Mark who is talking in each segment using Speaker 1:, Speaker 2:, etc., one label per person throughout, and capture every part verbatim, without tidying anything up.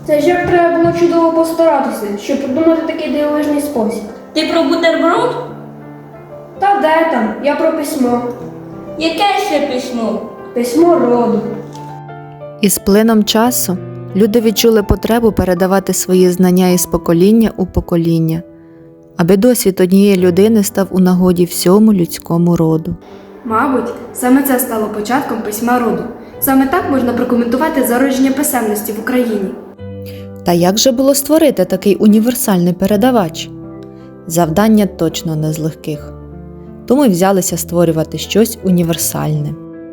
Speaker 1: Це ж як треба було чудово постаратися, щоб придумати такий дивовижний спосіб.
Speaker 2: Ти про бутерброд?
Speaker 1: Та де там? Я про письмо.
Speaker 2: Яке ще письмо?
Speaker 1: Письмо роду.
Speaker 3: Із плином часу люди відчули потребу передавати свої знання із покоління у покоління, аби досвід однієї людини став у нагоді всьому людському роду.
Speaker 4: Мабуть, саме це стало початком письма роду. Саме так можна прокоментувати зародження писемності в Україні.
Speaker 3: Та як же було створити такий універсальний передавач? Завдання точно не з легких. Тому й взялися створювати щось універсальне.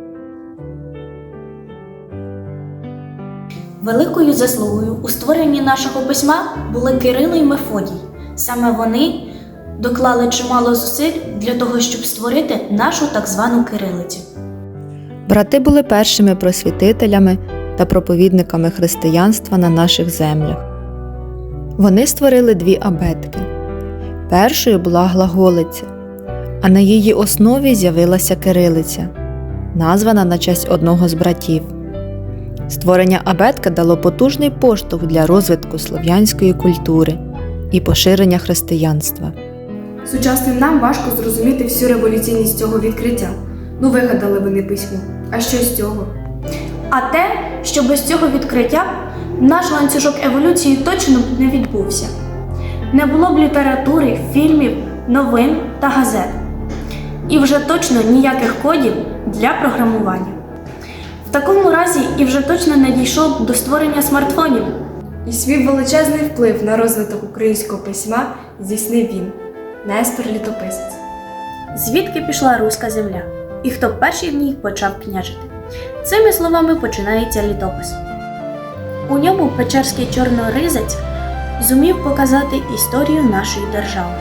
Speaker 2: Великою заслугою у створенні нашого письма були Кирило і Мефодій. Саме вони доклали чимало зусиль для того, щоб створити нашу так звану кирилицю.
Speaker 3: Брати були першими просвітителями та проповідниками християнства на наших землях. Вони створили дві абетки. Першою була глаголиця, а на її основі з'явилася кирилиця, названа на честь одного з братів. Створення абетки дало потужний поштовх для розвитку слов'янської культури і поширення християнства.
Speaker 4: Сучасним нам важко зрозуміти всю революційність цього відкриття. Ну, вигадали вони письмо. А що з цього?
Speaker 2: А те, що без цього відкриття наш ланцюжок еволюції точно б не відбувся. Не було б літератури, фільмів, новин та газет. І вже точно ніяких кодів для програмування. В такому разі і вже точно не дійшов до створення смартфонів.
Speaker 4: І свій величезний вплив на розвиток українського письма здійснив він – Нестор Літописець.
Speaker 2: Звідки пішла руська земля? І хто перший в ній почав княжити? Цими словами починається літопис. У ньому печерський чорноризець зумів показати історію нашої держави.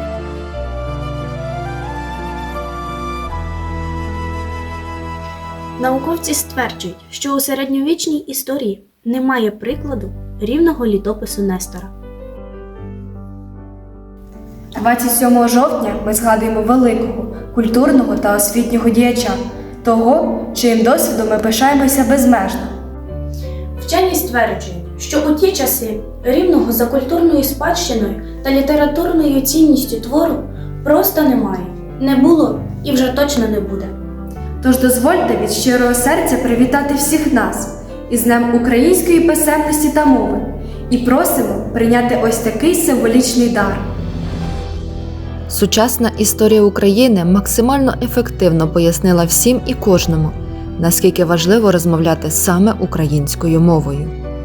Speaker 2: Науковці стверджують, що у середньовічній історії немає прикладу рівного літопису Нестора.
Speaker 4: двадцять сьомого жовтня ми згадуємо великого, культурного та освітнього діяча, того, чиїм досвідом ми пишаємося безмежно.
Speaker 2: Вчені стверджують, що у ті часи рівного за культурною спадщиною та літературною цінністю твору просто немає, не було і вже точно не буде.
Speaker 4: Тож дозвольте від щирого серця привітати всіх нас із Днем української писемності та мови і просимо прийняти ось такий символічний дар.
Speaker 3: Сучасна історія України максимально ефективно пояснила всім і кожному, наскільки важливо розмовляти саме українською мовою.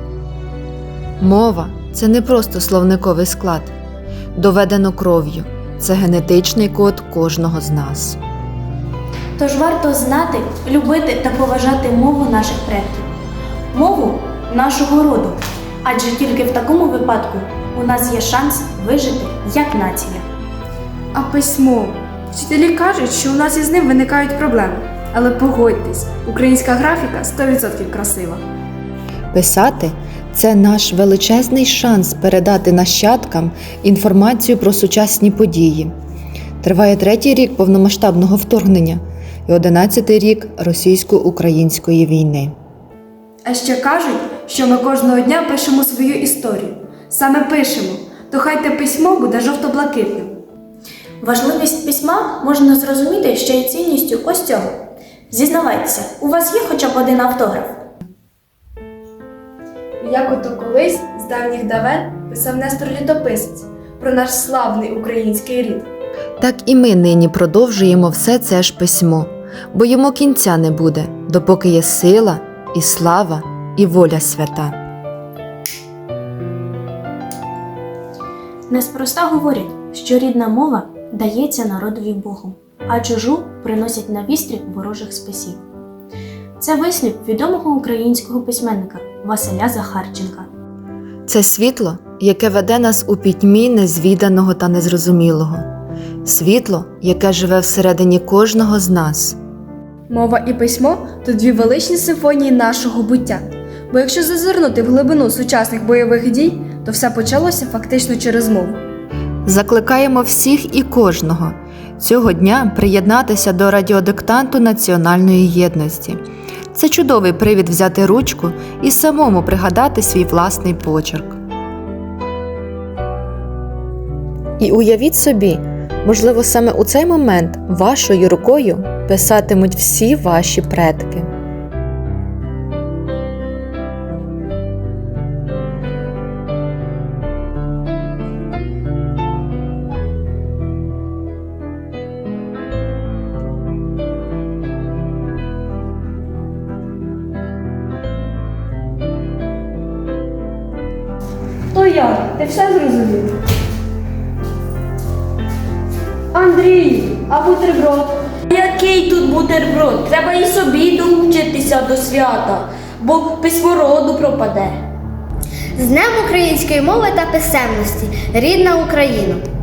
Speaker 3: Мова – це не просто словниковий склад. Доведено кров'ю – це генетичний код кожного з нас.
Speaker 2: Тож варто знати, любити та поважати мову наших предків, мову нашого роду, адже тільки в такому випадку у нас є шанс вижити як нація.
Speaker 4: А письмо? Вчителі кажуть, що у нас із ним виникають проблеми. Але погодьтесь, українська графіка сто відсотків красива.
Speaker 3: Писати – це наш величезний шанс передати нащадкам інформацію про сучасні події. Триває третій рік повномасштабного вторгнення і одинадцятий рік російсько-української війни.
Speaker 4: А ще кажуть, що ми кожного дня пишемо свою історію. Саме пишемо, то хай те письмо буде жовто-блакитним.
Speaker 2: Важливість письма можна зрозуміти ще й цінністю ось цього. Зізнавайтеся, у вас є хоча б один автограф?
Speaker 4: Як ото колись з давніх давен писав Нестор Літописець про наш славний український рід.
Speaker 3: Так і ми нині продовжуємо все це ж письмо, бо йому кінця не буде, допоки є сила, і слава, і воля свята.
Speaker 2: Неспроста говорять, що рідна мова дається народові Богом, а чужу приносять на вістрі ворожих списів. Це вислів відомого українського письменника Василя Захарченка.
Speaker 3: Це світло, яке веде нас у пітьмі незвіданого та незрозумілого. Світло, яке живе всередині кожного з нас.
Speaker 4: Мова і письмо – то дві величні симфонії нашого буття. Бо якщо зазирнути в глибину сучасних бойових дій, то все почалося фактично через мову.
Speaker 3: Закликаємо всіх і кожного цього дня приєднатися до радіодиктанту національної єдності. Це чудовий привід взяти ручку і самому пригадати свій власний почерк. І уявіть собі, можливо, саме у цей момент вашою рукою писатимуть всі ваші предки.
Speaker 1: То я, ти все зрозумів? Андрій, а бутерброд?
Speaker 5: Який тут бутерброд? Треба і собі долучитися до свята, бо письмо роду пропаде.
Speaker 6: З Днем української мови та писемності, рідна Україна!